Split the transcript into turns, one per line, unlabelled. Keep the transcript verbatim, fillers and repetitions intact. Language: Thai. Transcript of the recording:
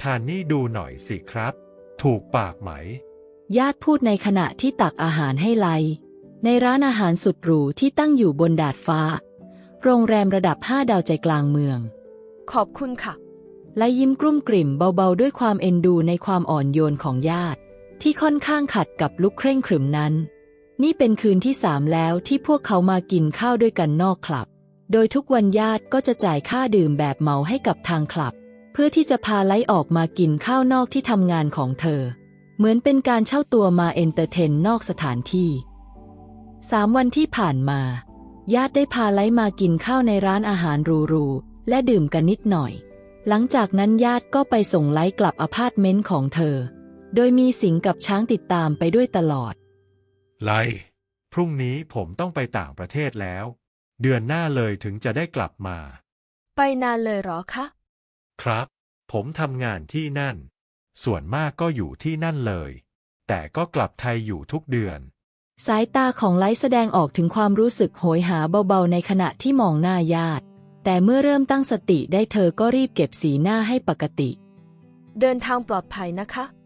ทานนี่ดูหน่อยสิครับ ถูกปากไหม
ญาติพูดในขณะที่ตักอาหารให้ไลในร้านอาหารสุดหรูที่ตั้งอยู่บนดาดฟ้าโรงแรมระดับห้าดาวใจกลางเมือง
ขอบคุณค่ะ
ไลยิ้มกลุ้มกลิ่มเบาๆด้วยความเอ็นดูในความอ่อนโยนของญาติที่ค่อนข้างขัดกับลุคเคร่งขรึมนั้นนี่เป็นคืนที่สามแล้วที่พวกเขามากินข้าวด้วยกันนอกคลับโดยทุกวันญาติก็จะจ่ายค่าดื่มแบบเหมาให้กับทางคลับเพื่อที่จะพาไลออกมากินข้าวนอกที่ทำงานของเธอเหมือนเป็นการเช่าตัวมาเอนเตอร์เทนนอกสถานที่สามวันที่ผ่านมาญาติได้พาไลมากินข้าวในร้านอาหารหรูๆและดื่มกันนิดหน่อยหลังจากนั้นญาติก็ไปส่งไลกลับอพาร์ตเมนต์ของเธอโดยมีสิงกับช้างติดตามไปด้วยตลอด
ไลพรุ่งนี้ผมต้องไปต่างประเทศแล้วเดือนหน้าเลยถึงจะได้กลับมา
ไปนานเลยหรอคะ
ครับผมทำงานที่นั่นส่วนมากก็อยู่ที่นั่นเลยแต่ก็กลับไทยอยู่ทุกเดือน
สายตาของไลแสดงออกถึงความรู้สึกโหยหาเบาๆในขณะที่มองหน้าญาติแต่เมื่อเริ่มตั้งสติได้เธอก็รีบเก็บสีหน้าให้ปกติ
เดินทางปลอดภัยนะคะ